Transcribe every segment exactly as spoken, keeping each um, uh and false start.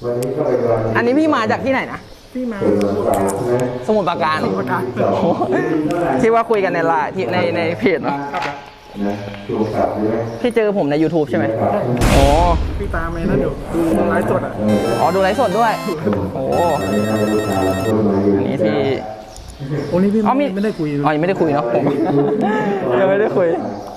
อันนี้พี่มาจากที่ไหนนะพี่มาสมุทรปราการที่ว่าคุยกันในไลน์ที่ในในเพจเนาะพี่เจอผมใน YouTube ใช่ไหมโอ้พี่ตามไปนะเดี๋ยวดูไลฟ์สดอ่ะอ๋อดูไลฟ์สดด้วยโอ้อันนี้ที่โอ้นี่พี่ไม่ได้คุยอ๋อยังไม่ได้คุยเนาะผมยังไม่ได้คุย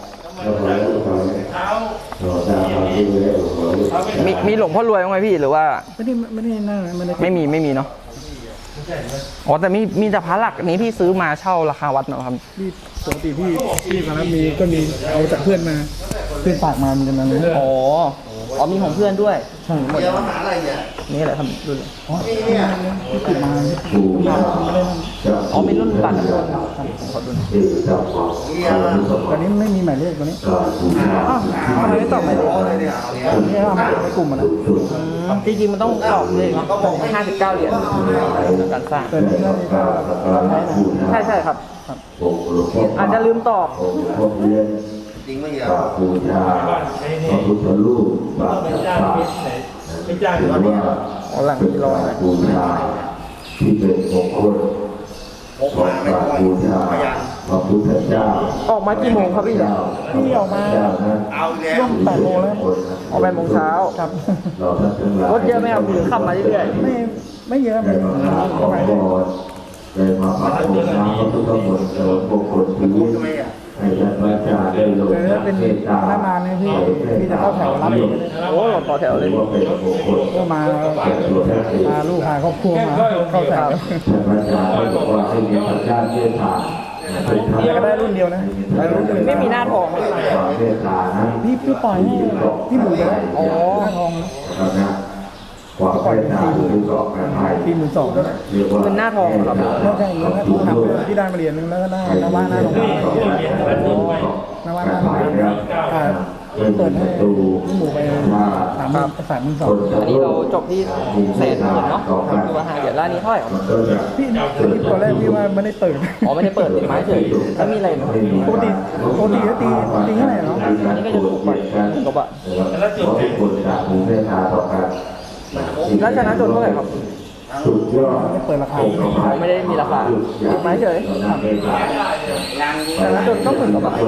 มีมีหลวงพ่อรวยบ้างไหมพี่หรือว่าไม่ได้ไม่ได้นั่งไม่ได้ไม่มีไม่มีเนาะอ๋อแต่มีมีแต่พระหลักนี้พี่ซื้อมาเช่าราคาวัดเนาะครับพี่ปกติพี่พี่มาแล้วมีก็มีเอาจากเพื่อนมาเพื่อนฝากมาเหมือนกันนะอ๋ออ๋อมีของเพื่อนด้วยใช่หมดนี่แหละทำรุ่นอ๋อนี่พี่ติดมาอ๋อมีรุ่นบัตรรุ่นขอดูตอนนี้ไม่มีหมายเลขตอนนี้อ้าวทำไมไม่ตอบหมายเลขนี่ทำในกลุ่มมันนะจริงๆมันต้องตอบเลขเนาะห้าสิบเก้าเหรียญการสร้างแต่นี่ก็ใช่ใช่ครับอาจจะลืมตอบจริงไม่เยอะบูชาพระพุทธรูปพระพุทธเจ้าไม่จ้างหรือว่าหลังที่รอบูชาที่เป็นมงคลของพระบูชาพระพุทธเจ้าออกมากี่โมงครับพี่พี่ออกมาร่วมแปดโมงแล้วออกแปดโมงเช้าครับรถเยอะไหมครับหรือขับมาเรื่อยๆไม่ไม่เยอะไม่เท่าไหร่เลยมาปฏิบัติธรรมพระพุทธมนต์เสริมมงคลชีวิตให้ท่านพระอาจารย์ได้ลงเป็นพนักงานเนี่ยพี่พี่จะเข้าแถวรับโอ้ต่อแถวเลยก็มามาลูกพาครอบครัวมาเข้าแถวท่านพระอาจารย์บอกว่าให้มีพระเจ้าเมตตาก็ได้รุ่นเดียวนะไม่มีหน้าทองพี่พี่ปล่อยให้พี่หมูไปแล้วอ๋อหน้าทองนะความเมตตาคือสองกันไปที่หมื่นสองเป็นหน้าทองครับไม่ใช่เงินหน้าทองทำที่ได้มาเหรียญนึงแล้วก็ได้นว่าหน้าทองนว่าหน้าทองเปิดให้พี่หมูไปสามสามหมื่นสองอันนี้เราจบที่แสนหมื่นเนาะดูว่าหาเหรียญร้านนี้เท่าไหร่พี่พี่ตอนแรกพี่ว่าไม่ได้เปิดอ๋อไม่ได้เปิดติดไม้เฉยถ้ามีอะไรปกติปกติก็ตีตีเท่าไหร่เนาะอันนี้ก็จะถูกกว่าถูกกว่าแล้วจุดที่คนจะมีเมตตาต่อกันแล้วชนะจนเท่าไหร่ครับสุดยอดไม่เปิดราคาไม่ได้มีราคาติดไม้เฉยชนะจนต้องหมื่นกว่าบาท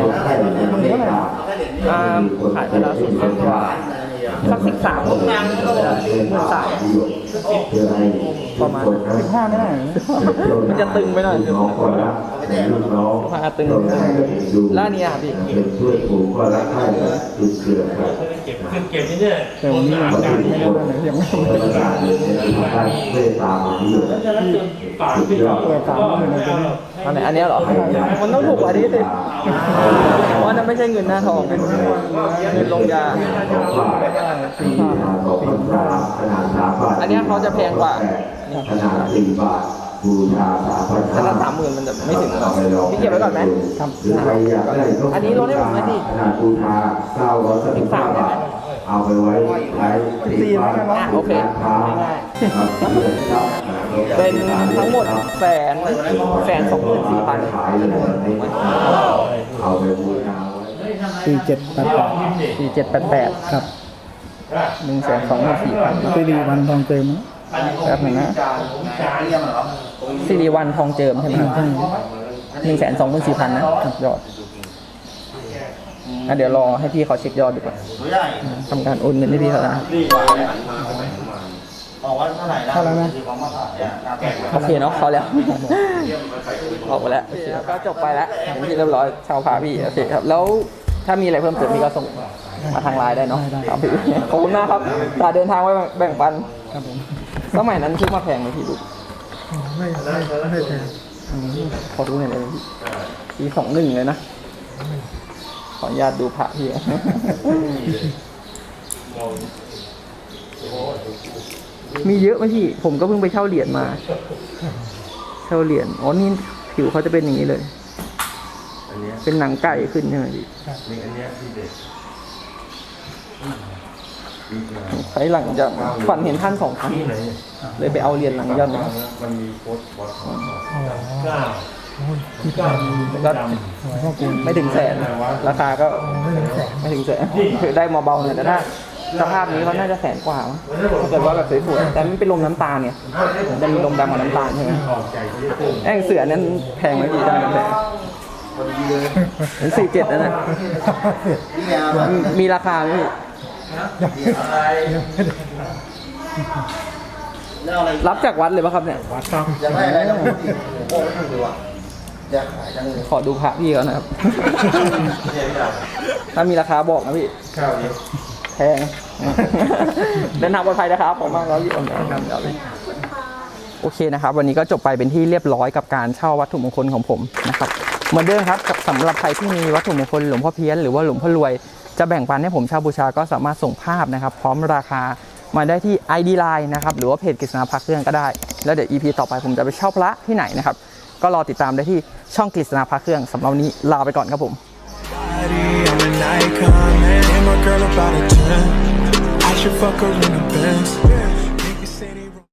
ขายไปแล้วสุดกว่าสักสิบสามหมื่นสามประมาณสิบห้าไม่ได้มันจะตึงไปหน่อยพาตึงแล้วนี่ครับพี่ช่วยผูกก็รักให้ติดเชื้อครับเก็บนี่เนี่ยแต่วันนี้ยังไม่ได้เลยยังไม่ได้เมตตาดีปากที่เราเปิดสามหมื่นเลยอันไหนอันนี้เหรอมันต้องถูกกว่านี้สิเพราะนั่นไม่ใช่เงินหน้าทองเงินลงยาอันนี้เขาจะแพงกว่าขนาดสี่บาทบูชาสามพันแต่ละสามหมื่นมันจะไม่ถึงหรอกพี่เก็บไว้ก่อนไหมครับอันนี้ลดให้ผมไหมดิขนาดบูชาเก้าร้อยสิบสามได้ไหมเอาไปไว้ไว้ตีบาทโอเคเป็นทั้งหมดแสนแสนสองหมื่นสี่พันเอาไปบูชาสี่เจ็ดแปดแปดสี่เจ็ดแปดแปดครับหนึ่งแสนสองหมื่นสี่พันสิริวันทองเจิมแป๊บหนึ่งนะสิริวันทองเจิมใช่ไหมหนึ่งแสนสองหมื่นสี่พันนะยอดเดี๋ยวรอให้พี่เขาเช็คยอดดีกว่าทำการโอนเงินให้พี่เขานะเข้าแล้วนะโอเคเนาะเขาแล้วออกไปแล้วก็จบไปแล้วเป็นที่เรียบร้อยชาวพาพี่โอเคครับแล้วถ้ามีอะไรเพิ่มเติมพี่ก็ส่งมาทางไลน์ได้เนาะครับพี่ขอบคุณมากครับตาเดินทางไว้แบ่งปันครับผมสมัยนั้นซื้อมาแพงไหมพี่ดูไม่ไม่ไม่แพงขอดูหน่อยเลยปีสองหนึ่งเลยนะขออนุญาตดูพระพี่มีเยอะไหมพี่ผมก็เพิ่งไปเช่าเหรียญมาเช่าเหรียญอ๋อนี่ผิวเขาจะเป็นอย่างนี้เลยเป็นหนังไก่ขึ้นใช่ไหมพี่ใช้หลังจากฝันเห็นท่านสองครั้งเลยไปเอาเหรียญหลังย่อนมามันมีโพสต์บอสก็ไม่ถึงแสนราคาก็ไม่ถึงแสนคือได้มาเบาหน่อยแต่ถ้าสภาพนี้เขาน่าจะแสนกว่ามั้งถ้าเกิดว่าแบบสวยๆแต่มันเป็นลมน้ำตาลเนี่ยจะมีลมดำกับน้ำตาลใช่ไหมแองเสือนั้นแพงไหมพี่ได้แพงเป็นสี่เจ็ดนะนะมีราคาไหมพี่รับจากวัดเลยป่ะครับเนี่ยวัดครับอยากได้อะไรก็พูดดิโอ้โหพูดเลยว่ะอยากขายจังเลยขอดูพระพี่เขานะครับ ถ้ามีราคาบอกนะพี่แพง เดินทางปลอดภัยนะครับผมมากแล้วยี่อ่อนนะครับเดี๋ยวเลยโอเคนะครับ วันนี้ก็จบไปเป็นที่เรียบร้อยกับการเช่าวัตถุมงคลของผมนะครับเหมือนเดิมครับกับสำหรับใครที่มีวัตถุมงคลหลวงพ่อเพี้ยนหรือว่าหลวงพ่อรวยจะแบ่งปันให้ผมเช่าบูชาก็สามารถส่งภาพนะครับ พร้อมราคามาได้ที่ ไอ ดี ไลน์ นะครับหรือว่าเพจกฤษณาพระเครื่องก็ได้แล้วเดี๋ยว อี พี ต่อไปผมจะไปเช่าพระที่ไหนนะครับก็รอติดตามได้ที่ช่องกฤษณาพระเครื่องสำหรับวันนี้ลาไปก่อนครับผม I'm an icon, man. And my girl about a ten. I should fuck her in the Benz.